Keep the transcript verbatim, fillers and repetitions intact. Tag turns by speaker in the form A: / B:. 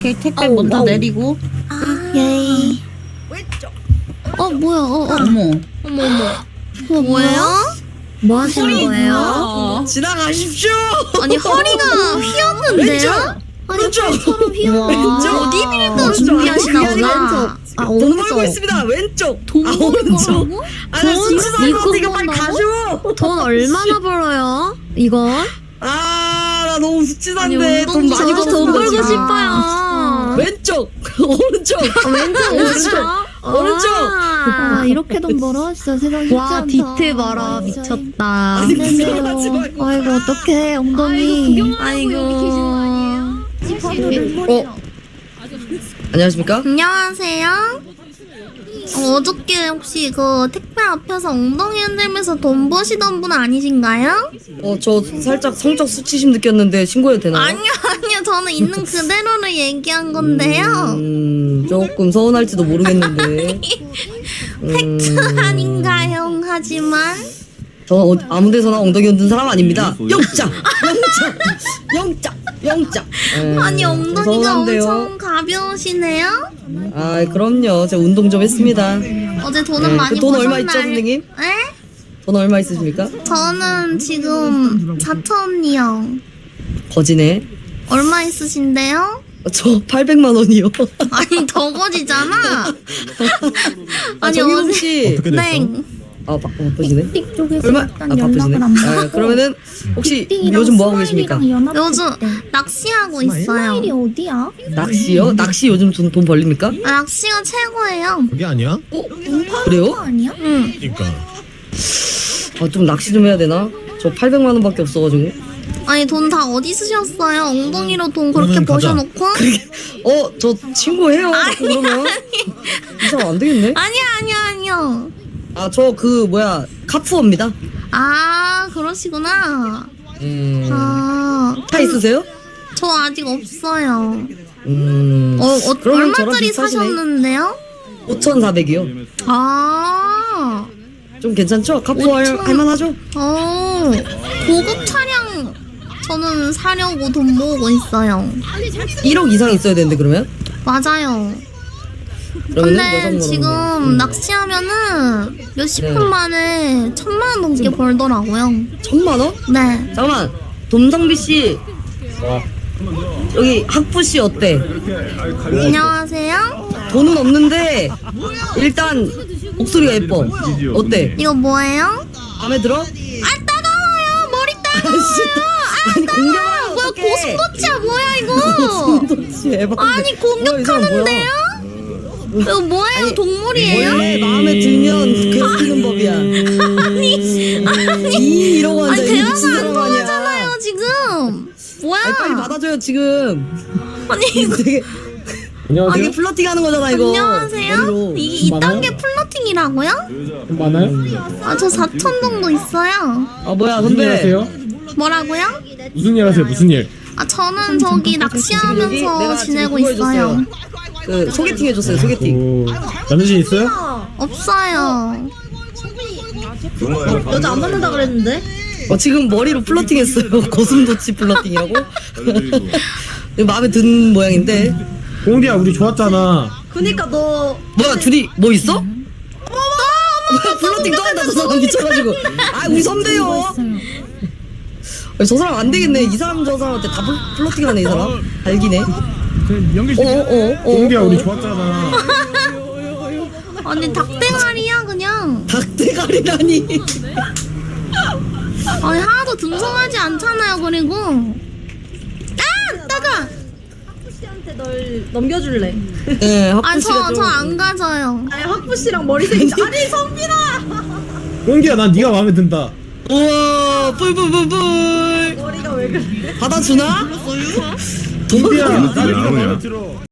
A: 오케이, 택배
B: 아우,
A: 먼저
B: 아우.
A: 내리고.
B: 아, 예이. 어, 뭐야, 어, 어.
A: 어머.
B: 어머, 어머. 그거 뭐예요? 뭐 하시는 거예요?
A: 어.
C: 지나가십시오.
B: 아니, 허리가 휘었는데요?
C: 왼쪽.
B: 서로 휘었는데.
C: 왼쪽.
B: 어디 빌던
C: 왼쪽.
B: 준비하시나
C: 아니, 그게
B: 보다.
C: 아니라
B: 아,
C: 돈 벌고
B: 오른쪽.
C: 있습니다. 왼쪽.
B: 돈
C: 아,
B: 버는
C: 오른쪽.
B: 거라고?
C: 아나
B: 돈
C: 진짜
B: 입금
C: 이거 빨리
B: 번다고?
C: 가죠.
B: 돈 얼마나 벌어요? 이건?
C: 아, 나 너무
B: 아니,
C: 숫진한데 돈
B: 운동
C: 많이
B: 저도
C: 벌었어.
B: 돈 벌고
C: 지금.
B: 싶어요.
C: 왼쪽. 오른쪽.
B: 아, 왼쪽, 오른쪽.
C: 오른쪽.
B: 아, 이렇게 돈 벌어? 진짜 세상 쉽지 않다.
D: 와 디트 봐라
B: 아,
D: 미쳤다.
C: 아니, 구경하지 말고.
B: 아이고, 어떡해, 엉덩이.
D: 아이고.
C: 어? 안녕하십니까?
B: 안녕하세요. 어, 어저께 혹시 그 택배 앞에서 엉덩이 흔들면서 돈 버시던 분 아니신가요?
C: 어, 저 살짝 성적 수치심 느꼈는데 신고해도 되나요?
B: 아니요, 아니요. 저는 있는 그대로를 얘기한 건데요.
C: 음, 조금 서운할지도 모르겠는데.
B: 팩트 아닌가요? 하지만
C: 저는 어, 아무 데서나 엉덩이 흔든 사람 아닙니다. 영장! 영장! 영장! 영장! 에,
B: 아니 엉덩이가
C: 서운한데요.
B: 엄청 가벼우시네요?
C: 아, 그럼요. 제가 운동 좀 했습니다.
B: 어제 돈은
C: 네,
B: 많이
C: 그돈 얼마
B: 버셨나요?
C: 있죠, 선생님?
B: 네?
C: 돈 얼마 있으십니까?
B: 저는 지금 사천이요.
C: 거지네.
B: 얼마 있으신데요?
C: 저 팔백만 원이요.
B: 아니 더 거지잖아.
C: 아,
B: 아니
C: 정희동
B: 어제
C: 씨.
E: 어떻게 됐어?
B: 네.
C: 아, 바, 바쁘시네.
F: 쪽에서
C: 얼마? 아,
F: 일단
C: 바쁘시네.
F: 연락을 안
C: 아,
F: 받고
C: 그러면은 혹시
F: 삐삐랑
C: 요즘 뭐 하고 계십니까?
F: 스마일이랑 연합
B: 요즘
F: 때.
B: 낚시하고 있어요.
F: 스마일이 어디야?
C: 낚시요? 낚시 요즘 돈, 돈 벌립니까?
B: 아, 낚시가 최고예요.
E: 그게 아니야?
C: 어?
F: 거
C: 그래요?
F: 아니야?
B: 응.
E: 그러니까
C: 아, 좀 낚시 좀 해야 되나? 저 팔백만 원밖에 없어가지고.
B: 아니 돈 다 어디 쓰셨어요? 엉덩이로 돈 그렇게
E: 그러면 가자.
B: 버셔놓고?
C: 어, 저 친구해요. 자꾸 그러면 이 사람 안 되겠네.
B: 아니야 아니야 아니야.
C: 아, 저 그 뭐야 카푸어입니다.
B: 아 그러시구나.
C: 음,
B: 아,
C: 차 있으세요?
B: 저 아직 없어요.
C: 음,
B: 어, 어
C: 그러면 저랑
B: 얼마짜리
C: 비슷하시네.
B: 사셨는데요?
C: 오천사백이요.
B: 아,
C: 좀 괜찮죠? 카푸어 할,
B: 오천.
C: 할만하죠?
B: 어, 고급 차량 저는 사려고 돈 모으고 있어요.
C: 일억 이상 있어야 되는데 그러면?
B: 맞아요.
C: 그러면은
B: 근데
C: 여성으로
B: 지금
C: 음.
B: 낚시하면은 몇십
C: 네.
B: 분 만에 천만 원 넘게 벌더라고요.
C: 천만 원?
B: 네.
C: 잠깐만, dom성비 씨. 여기 학부 씨 어때?
B: 안녕하세요.
C: 돈은 없는데 일단 목소리가 예뻐. 어때?
B: 이거 뭐예요?
C: 마음에 들어?
B: 아 따가워요. 머리 따가워요.
C: 아니 공격하면
B: 뭐야
C: 어떡해?
B: 고슴도치야 뭐야 이거?
C: 도대체 에반데.
B: 아니 공격하는데요? 이거 뭐예요? 동물이에요?
C: 원래 마음에 들면 괴롭히는 법이야.
B: 아니 아니
C: 이 이러고 앉아.
B: 아니
C: 이
B: 대화가
C: 미친
B: 안
C: 사람 아니야.
B: 통하잖아요 지금. 뭐야?
C: 아니, 빨리 받아줘요 지금.
B: 아니 이거
C: 되게 아, 이게 플러팅 하는 거잖아 이거.
B: 안녕하세요?
C: 머리로.
B: 이게 이딴 게 플러팅이라고요?
E: 많아요?
B: 아 저 사천 정도 있어요.
C: 아 뭐야
E: 무슨 일
C: 선배.
E: 하세요?
B: 뭐라고요?
E: 무슨 일 하세요? 무슨 일?
B: 아 저는 저기
C: 여기
B: 낚시하면서
C: 내가 지금
B: 지내고
C: 그거
B: 있어요.
C: 해줬어요. 그 소개팅 해줬어요 소개팅.
E: 오, 남자친 있어요?
B: 없어요.
D: 여자 안 만난다 그랬는데?
C: 어 지금 머리로 플러팅 했어요. 고슴도치 플러팅이라고. 마음에 든 모양인데.
E: 공디야 우리 좋았잖아.
D: 그니까 너
C: 뭐야 둘이 뭐 있어? 어머 플러팅 또 한다 저 사람 미쳐가지고. 아 우리 선배요. 아니, 저 사람 안 되겠네. 이 사람 저 사람한테 다 플- 플러팅하네 이 사람. 알기네. 어어어.
E: 공디야 우리 좋았잖아.
B: 아니 닭대가리야 그냥.
C: 닭대가리라니.
B: 아니 하나도 듬성하지 않잖아요. 그리고 아 따가.
D: 씨한테 널 넘겨줄래?
C: 네
B: 아니
C: 학부 씨가
B: 저
C: 좀.
B: 저 안 가져요.
D: 아니 학부 씨랑 머리색이 아니 성빈아.
E: 공디야 난 네가 마음에 든다.
C: 우와 뿔뿔뿔뿔.
D: 머리가 왜 그래?
C: 받아주나?
E: 공디야 난 네가
G: 나오냐?
E: 마음에 들어.